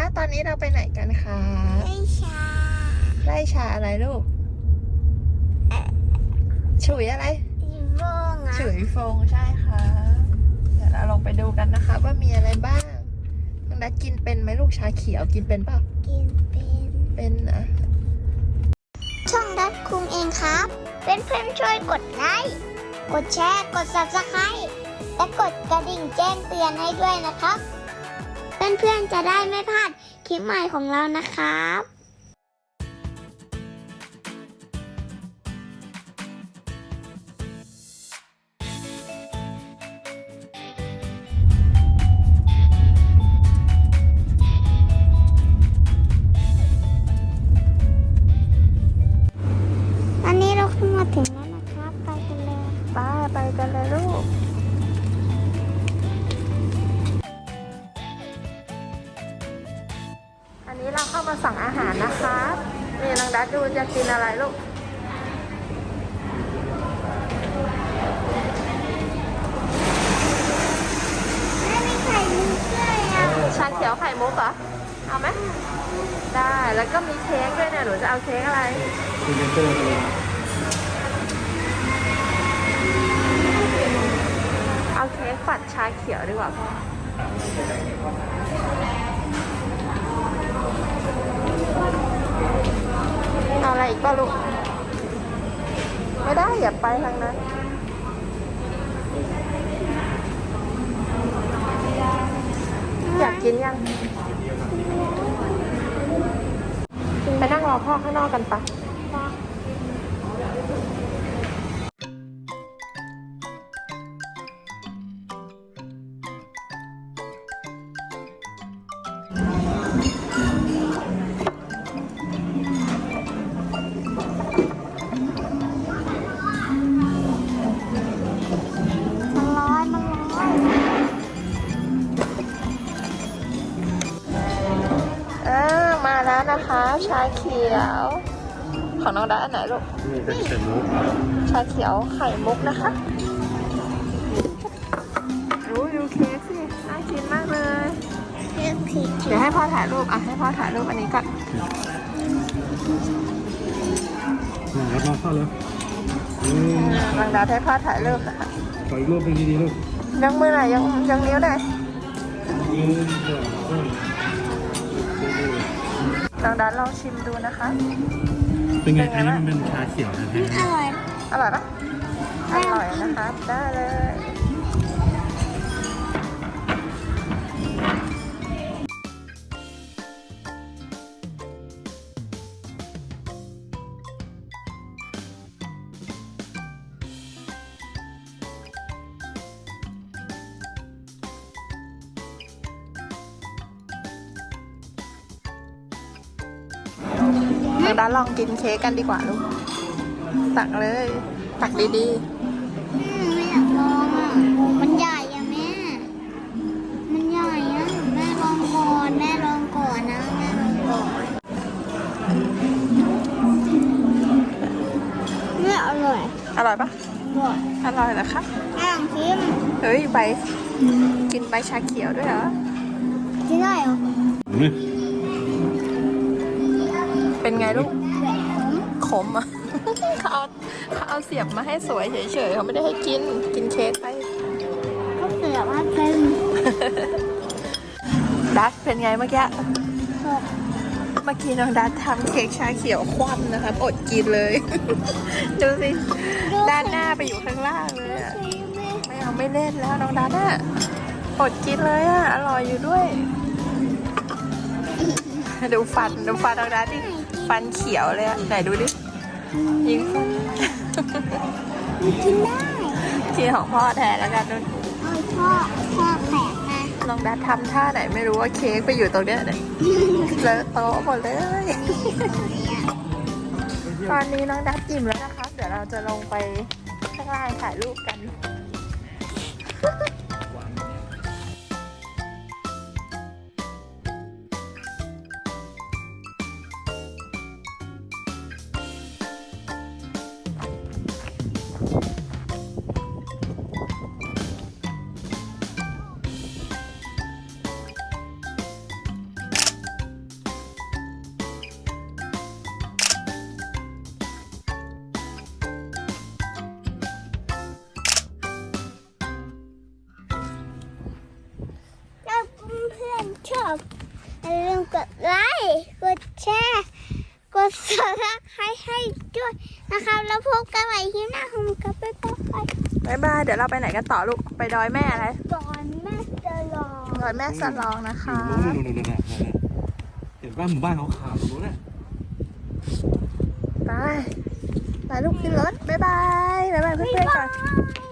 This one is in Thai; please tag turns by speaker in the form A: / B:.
A: ตอนนี้เราไปไหนกันคะ
B: ไล่ชา
A: ไล่ชาอะไรลูกฉุยอะไร
B: อีโวงอ่ะ
A: ฉุยฟงใช่ค่ะเดี๋ยวเราลองไปดูกันนะคะว่ามีอะไรบ้างน้องนัดกินเป็นไหมลูกชาเขียวกินเป็นเปล่า
B: กิน
A: เป็นนะ
B: ช่องดัดคุงเองครับเพื่อนๆช่วยกดไลค์กดแชร์กด Subscribe และกดกระดิ่งแจ้งเตือนให้ด้วยนะครับเพื่อนๆจะได้ไม่พลาดคลิปใหม่ของเรานะครับอันนี้เราขึ้นมาถึงแล้วนะครับไปกันเลย
A: ไปกันเลยลูกอันนี้เราเข้ามาสั่งอาหารนะคะนี่น้องดัดดูจะกินอะไรลูก
B: ไม่มีไข่มุกด้วยอ่ะ
A: ชาเขียวไข่มุกเหรอเอาไหมได้แล้วก็มีเค้กด้วยเนี่ยหนูจะเอาเค้กอะไรเอาเค้กฝัดชาเขียวดีกว่าพ่อเอาอะไรอีกป่ะลูกไม่ได้อย่าไปทางนั้นอยากกินยังไปนั่งรอพ่อข้างนอกกันปะมาแล้วนะคะชาเขียวของน้องดาอันไหนลูก
C: นี่เป็นไข่มุก
A: ชาเขียวไข่มุกนะคะดูเค้กสิน่ากินมากเลยเดี๋ยวให้พ่อถ่ายรูปให้พ่อถ่ายรูปอันนี้ก่อน
C: รับมาเข้าเลย
A: น้องดาให้พ่อถ่ายรูปนะคะ
C: ขออีกรูปเป็นดีๆลูก
A: ยังมือไหนยังนิ้วไหนน้องดาลองชิมดูนะคะ
C: เป็นไงอันนี้มันเป็นชาเขียวนะ
B: อ
C: ฮะ
B: ร่อย
A: อร่อยปะอร่อยนะคะได้เลยน้องดาลองกินเค้กกันดีกว่าลูกตักเลยตักดี
B: ไม่อยากลองอ่ะมันใหญ่อะแม่มันใหญ่อะแม่ลองก่อนนะแม่ลองก่อนไม่อร่อย
A: อร่อยปะอร่อยเหรอคะ
B: ลองชิม
A: เฮ้ยกินใบชาเขียวด้วยเหรอ
B: กินได้เหรอ
A: เป็นไงลูกขมอ่ะเขาเอาเสียบมาให้สวยเฉยๆเขาไม่ได้ให้กินเค้กไป
B: เขาเสียบมาเป็น
A: ดัชเป็นไงเมื่อกี้น้องดัชทำเค้กชาเขียวคว่ำนะคะอดกินเลยดูสิด้านหน้าไปอยู่ข้างล่างเลยอ่ะไม่เล่นแล้วน้องดัชอ่ะอดกินเลยอ่ะอร่อยอยู่ด้วยดูฟันน้องดัชดิฟันเขียวเลยอ่ะไหนดูดิยิงฟัน
B: กินได้
A: กินของพ่อแทนแล้วกันนุ่น
B: พ่อแปลกนะ
A: น้องดัชทำท่าไหนไม่รู้ว่าเค้กไปอยู่ตรงเนี้ยเนี่ยเลอะโต๊ะหมดเลยตอนนี้น้องดัชอิ่มแล้วนะคะเดี๋ยวเราจะลงไปข้างล่างถ่ายรูปกัน
B: กดไลค์กดแชร์กดซับสไครต์ให้ด้วยนะครับแล้วพบกันใหม่ที่หน้าของกับไปต่อไป
A: บ๊ายบายเดี๋ยวเราไปไหนกันต่อลูกไปดอยแม่อะไร
B: ตอนแม่จะรอ
A: ดอยแม่สลองนะคะ
C: นู่นเห็นบ้านหมู่บ้านขาวๆตรงนู้นน่ะ
A: ไปไปลูกขึ้นรถบ๊ายบายบ๊ายบายเพื่อนๆก่อน
B: บ๊ายบาย